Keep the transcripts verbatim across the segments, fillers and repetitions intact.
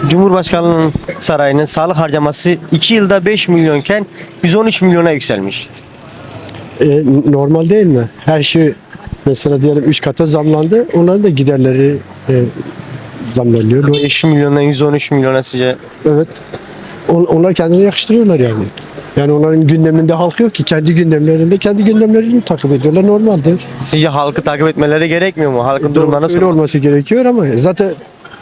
Cumhurbaşkanlığının sarayının sağlık harcaması iki yılda beş milyonken yüz on üç milyona yükselmiş. E, normal değil mi? Her şey mesela diyelim üç kata zamlandı. Onların da giderleri e, zamlanıyor. beş milyondan yüz on üç milyona sizce? Evet. On- onlar kendini yakıştırıyorlar yani. Yani onların gündeminde halk yok ki. Kendi gündemlerinde kendi gündemlerini takip ediyorlar. Normaldir. Sizce halkı takip etmeleri gerekmiyor mu? Halkın durumları nasıl? Öyle olması gerekiyor ama zaten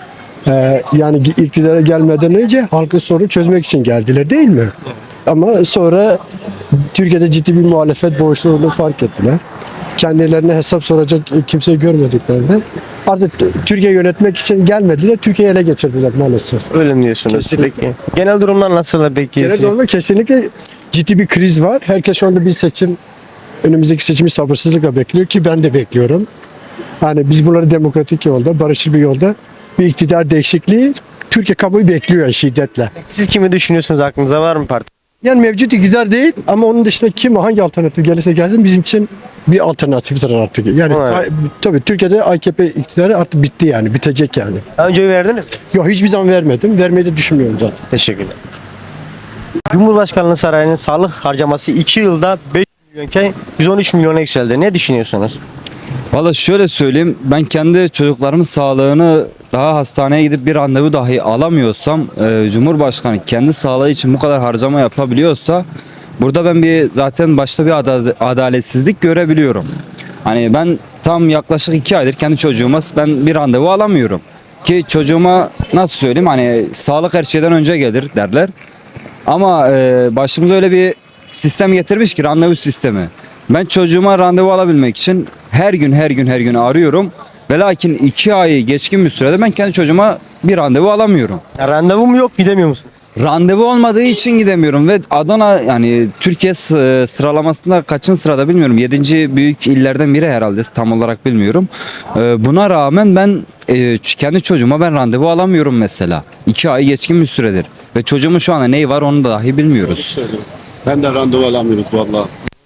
e, yani iktidara gelmeden önce halkın sorunu çözmek için geldiler değil mi? Ama sonra Türkiye'de ciddi bir muhalefet boşluğunu fark ettiler. Kendilerine hesap soracak kimseyi görmediklerinde artık Türkiye yönetmek için gelmediler, Türkiye'yi ele geçirdiler maalesef. Öyle mi diyorsunuz? Kesinlikle. Peki. Genel durumlar nasıl peki? Genel olarak kesinlikle ciddi bir kriz var. Herkes şu anda bir seçim, önümüzdeki seçimi sabırsızlıkla bekliyor ki ben de bekliyorum. Hani biz bunları demokratik yolda, barışçıl bir yolda bir iktidar değişikliği Türkiye kamuoyu bekliyor şiddetle. Siz kimi düşünüyorsunuz? Aklınıza var mı parti? Yani mevcut iktidar değil ama onun dışında kim hangi alternatif gelirse gelsin bizim için bir alternatiftir artık. Yani Evet. ta- tabii Türkiye'de A K P iktidarı artık bitti yani, bitecek yani. Daha önce oy verdiniz mi? Yok hiçbir zaman vermedim, vermeyi de düşünmüyorum zaten. Teşekkürler. Cumhurbaşkanlığı sarayının sağlık harcaması iki yılda beş milyonken yüz on üç milyona yükseldi. Ne düşünüyorsunuz? Valla şöyle söyleyeyim, ben kendi çocuklarımın sağlığını daha hastaneye gidip bir randevu dahi alamıyorsam, e, Cumhurbaşkanı kendi sağlığı için bu kadar harcama yapabiliyorsa burada ben bir zaten başta bir ada- adaletsizlik görebiliyorum. Hani ben tam yaklaşık iki aydır kendi çocuğuma ben bir randevu alamıyorum. Ki çocuğuma nasıl söyleyeyim, hani sağlık her şeyden önce gelir derler. Ama e, başımıza öyle bir sistem getirmiş ki, randevu sistemi. Ben çocuğuma randevu alabilmek için her gün her gün her gün arıyorum. Ve lakin iki ayı geçkin bir sürede ben kendi çocuğuma bir randevu alamıyorum. Ya, randevum yok, gidemiyor musun? Randevu olmadığı için gidemiyorum ve Adana yani Türkiye sı- sıralamasında kaçıncı sırada bilmiyorum. Yedinci büyük illerden biri herhalde, tam olarak bilmiyorum. Ee, buna rağmen ben e, kendi çocuğuma ben randevu alamıyorum mesela. iki ay geçkin bir süredir. Ve çocuğumun şu anda neyi var onu da dahi bilmiyoruz. Ben de randevu alamıyoruz valla.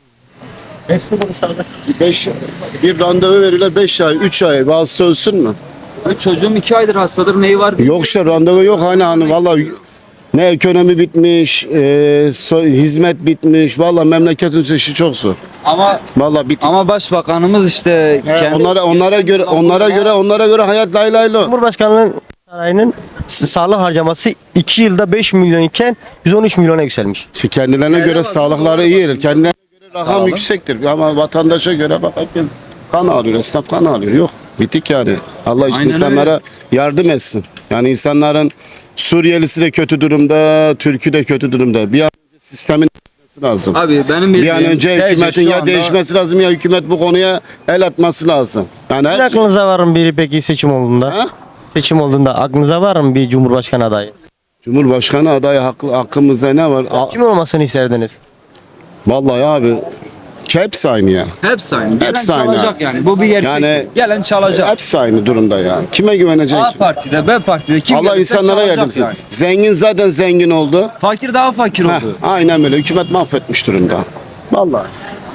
Beş, bir randevu veriyorlar beş ay, üç ay. Bazısı ölsün mü? Çocuğum iki aydır hastadır, neyi var? Yok işte randevu yok hani hani valla ne ekonomi bitmiş, e, so- hizmet bitmiş. Valla memleketin işi çok zor. Ama Valla bit. ama başbakanımız işte He, kendi- onlara onlara göre onlara göre onlara göre hayat lay lay lo. Cumhurbaşkanlığı sarayının s- sağlık harcaması iki yılda beş milyon iken yüz on üç milyona yükselmiş. İşte kendilerine göre sağlıkları iyi. Kendilerine göre rakam yüksektir. Ama vatandaşa göre bak herkes kan alıyor, esnaf kan alıyor. Yok. Bitik yani. Allah işte Aynen insanlara yardım etsin. Yani insanların Suriyelisi de kötü durumda, Türk'ü de kötü durumda. Bir an önce sistemin değişmesi lazım. Abi benim Bir an önce hükümetin ya değişmesi lazım ya hükümet bu konuya el atması lazım. Yani Sizin her şey... aklınıza var mı biri peki seçim olduğunda? Ha? Seçim olduğunda aklınıza var mı bir cumhurbaşkanı adayı? Cumhurbaşkanı adayı hakkı, hakkımızda ne var? A- Kim olmasını isterdiniz? Vallahi abi hepsi aynı ya. Hepsi aynı. Gelen Hepsi aynı. çalacak yani. Bu bir gerçek. Yani- Gelen çalacak. Hepsi aynı durumda ya. Kime güvenecek? A partide, B partide kim Allah gelirse insanlara çalacak yardım etsin. yani. Zengin zaten zengin oldu. Fakir daha fakir Heh, oldu. aynen böyle. Hükümet mahvetmiş durumda. Vallahi.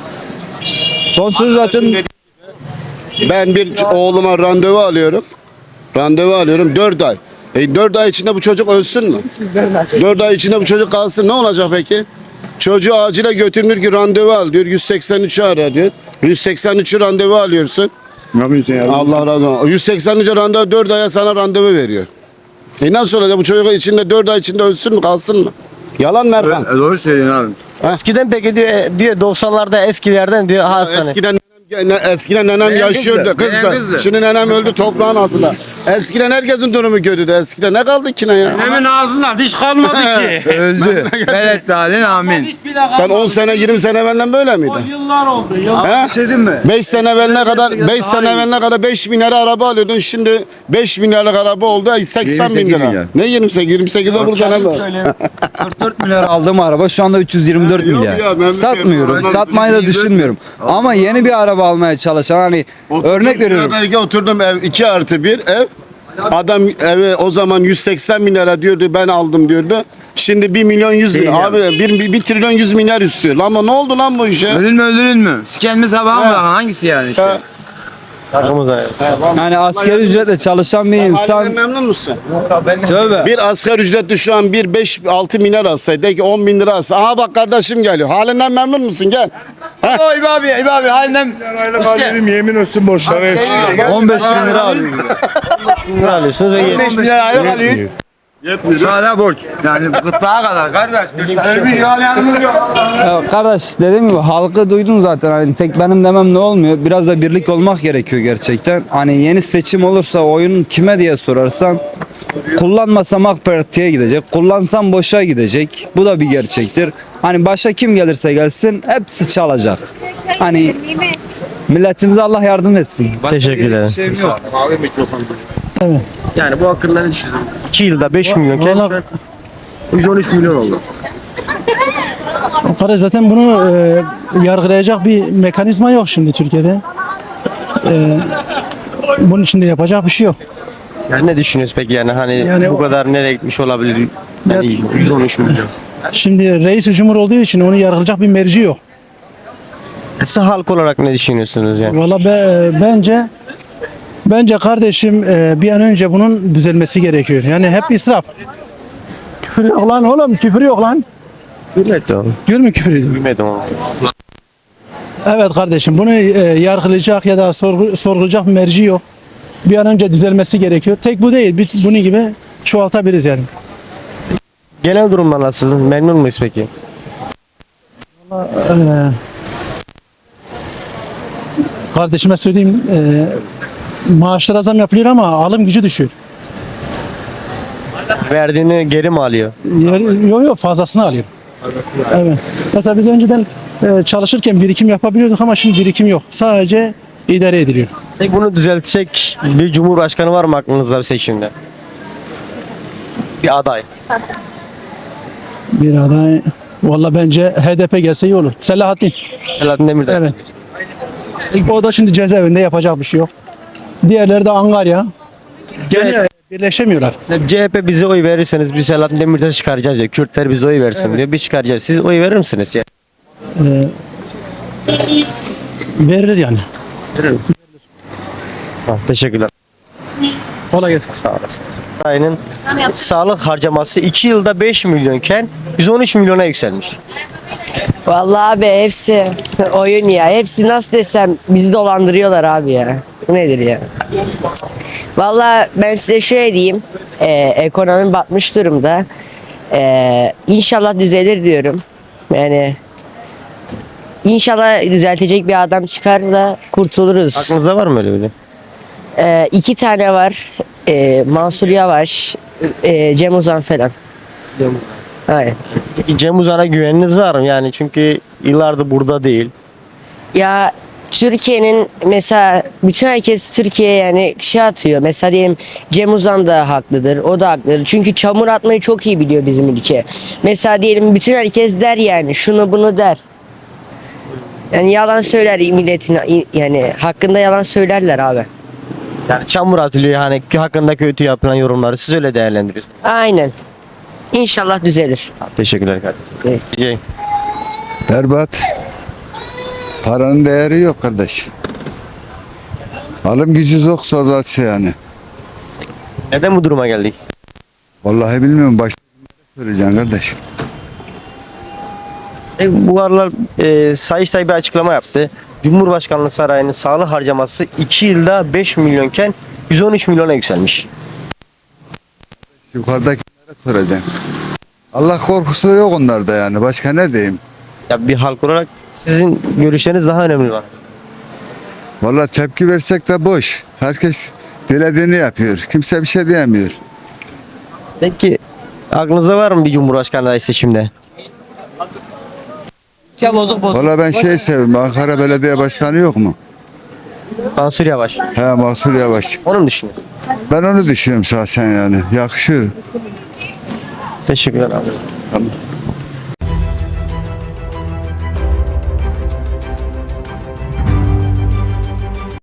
Son söz zaten Ben bir ç- oğluma randevu alıyorum. Randevu alıyorum dört ay. E dört ay içinde bu çocuk ölsün mü? dört ay içinde bu çocuk kalsın ne olacak peki? Çocuğu acile götürülür ki randevu al diyor. yüz seksen üçü ara diyor. yüz seksen üçü randevu alıyorsun. Allah razı olsun. yüz seksen üçe randevu dört aya sana randevu veriyor. E nasıl olacak bu çocuk içinde dört ay içinde ölsün mü kalsın mı? Yalan mı Erkan? E, doğru söylüyorsun abi. Eskiden peki diyor, e, diyor doksanlarda eskilerden diyor hastane. Eskiden nenem, eskiden nenem Nenem yaşıyordu. kızdı, Kız nenem da. kızdı. Şimdi nenem öldü toprağın altında. Eskiden herkesin durumu kötüydü. Eskiden ne kaldı ki ne ya? Hemen ağzından diş kalmadı ki. Öldü. Velet dalin amin. Hiçbir laf Sen on sene yirmi sene evvelden böyle O miydin? yıllar oldu. Yıllar. He? bir şey diyeyim mi? beş sene evveline kadar beş sene evveline kadar beş bin lira araba alıyordun. Şimdi beş bin liralık araba oldu seksen bin yirmi sekiz lira. milyar. Ne yirmi sekiz? yirmi sekize burada ne var? kırk dört milyar aldığım araba şu anda üç yüz yirmi dört Yok milyar. ya, ben Satmıyorum. bilmiyorum. Satmayı da düşünmüyorum. Ama yeni bir araba almaya çalışan, hani örnek veriyorum. Buradaki oturdum ev iki artı bir ev. Adam evi o zaman yüz seksen bin lira diyordu ben aldım diyordu. Şimdi bir milyon yüz bin. Milyar. Abi bir, bir, bir trilyon yüz milyar istiyor. Lan ama ne oldu lan bu işe? Ölün mü öldürün mü? Siken mi sabah mı He. bırakın? Hangisi yani işte? Ha. Hakkımızda evet. Yani asgari ücretle çalışan bir Halinden insan memnun musun? tövbe. Bir asgari ücretli şu an bir beş altı milyar alsaydı, de ki on bin lira alsa. Aha bak kardeşim geliyor. Halinden memnun musun? Gel. O İbo abi, İbo abi halinden. Aylık alıyorum yemin olsun borçları hepsi. on beş bin lira alıyor. bin lira alıyorsunuz ve on beş milyar aylık alıyor. Yetmiyor. Hala borç. Yani gırtlağa kadar kardeş. Ölmüş yağlayanımız yok. Ya kardeş dediğim gibi halkı duydum zaten. Hani tek benim demem ne olmuyor. Biraz da birlik olmak gerekiyor gerçekten. Hani yeni seçim olursa oyun kime diye sorarsan kullanmasam AK Parti'ye gidecek. Kullansam boşa gidecek. Bu da bir gerçektir. Hani başa kim gelirse gelsin hepsi çalacak. Hani milletimize Allah yardım etsin. Başka Teşekkür ederim. bir şeyim yok. Yani bu hakkında ne düşünüyorsunuz? iki yılda beş milyonken şu an yüz on üç milyon oldu. Kardeş zaten bunu e, yargılayacak bir mekanizma yok şimdi Türkiye'de. E, bunun için de yapacak bir şey yok. Yani ne düşünüyorsunuz peki yani hani Yani bu o- kadar nereye gitmiş olabilir? Yani yüz on üç milyon. Şimdi reis cumhur olduğu için onu yargılayacak bir merci yok. Siz halk olarak ne düşünüyorsunuz yani? Valla be, bence bence kardeşim e, bir an önce bunun düzelmesi gerekiyor. Yani hep israf. Küfür yok lan oğlum, küfür yok lan. Bilmedim. Gör mü küfür ediyor? Bilmedim ama. Evet kardeşim bunu e, yargılayacak ya da sorgu, sorgulayacak bir merci yok. Bir an önce düzelmesi gerekiyor. Tek bu değil. Bir- Bunun gibi çoğaltabiliriz yani. Genel durumda nasıl? Memnun muyuz peki? Ee, kardeşime söyleyeyim e, maaşlara zam yapılıyor ama alım gücü düşüyor. Verdiğini geri mi alıyor? Yok yok fazlasını alıyor. Evet. Mesela biz önceden e, çalışırken birikim yapabiliyorduk ama şimdi birikim yok. Sadece idare ediliyor. Peki bunu düzeltecek bir cumhurbaşkanı var mı aklınızda bir seçimde? Bir aday. Bir aday valla bence H D P gelse iyi olur. Selahattin. Selahattin Demirtaş. Evet. O da şimdi cezaevinde yapacak bir şey yok. Diğerleri de Angarya. Yani birleşemiyorlar. C H P bize oy verirseniz biz Selahattin Demirtaş'ı çıkaracağız diyor. Kürtler bize oy versin diyor. Biz çıkaracağız. Siz oy verir misiniz? C H P? Ee, verilir yani. Ha, teşekkürler. Kolay gelsin. Sağ olasın. Sarayının sağlık harcaması iki yılda beş milyonken yüz on üç milyona yükselmiş. Vallahi abi hepsi oyun ya. Hepsi nasıl desem bizi dolandırıyorlar abi ya. Bu nedir ya? Vallahi ben size şöyle diyeyim. Ee, ekonomi batmış durumda. Ee, inşallah düzelir diyorum. Yani inşallah düzeltecek bir adam çıkar da kurtuluruz. Aklınızda var mı öyle biri? Ee, iki tane var. Ee, Mansur Yavaş, e, Cem Uzan falan. Aynen. Peki Cem Uzan'a güveniniz var mı? Yani çünkü yıllardır burada değil. Ya Türkiye'nin mesela bütün herkes Türkiye yani şey atıyor. Mesela diyelim Cem Uzan da haklıdır. O da haklıdır. Çünkü çamur atmayı çok iyi biliyor bizim ülke. Mesela diyelim bütün herkes der yani şunu bunu der. Yani yalan söyler milletin yani hakkında yalan söylerler abi. Yani çamur atılıyor hani hakkında kötü yapılan yorumları siz öyle değerlendiriyorsunuz. Aynen. İnşallah düzelir. Teşekkürler kardeşim. Evet. Diyeceğim. Berbat. Paranın değeri yok kardeş. Alım gücü yok sorulası yani. Neden bu duruma geldik? Vallahi bilmiyorum. Başta söyleyeceğim kardeş. E, bu aralar e, Sayıştay bir açıklama yaptı. Cumhurbaşkanlığı Sarayı'nın sağlık harcaması iki yılda beş milyonken yüz on üç milyona yükselmiş. Yukarıdakilere soracağım. Allah korkusu yok onlarda yani. Başka ne diyeyim? Ya bir halk olarak sizin görüşleriniz daha önemli var. Vallahi tepki versek de boş. Herkes dilediğini yapıyor. Kimse bir şey diyemiyor. Peki aklınızda var mı bir cumhurbaşkanı adayı seçimde? Vallahi ben şey seviyorum. Ankara Belediye Başkanı yok mu? Mansur Yavaş. He, Mansur Yavaş. Onu mu düşünüyorsun? Ben onu düşünüyorum şahsen yani. Yakışıyor. Teşekkürler abi. Tamam.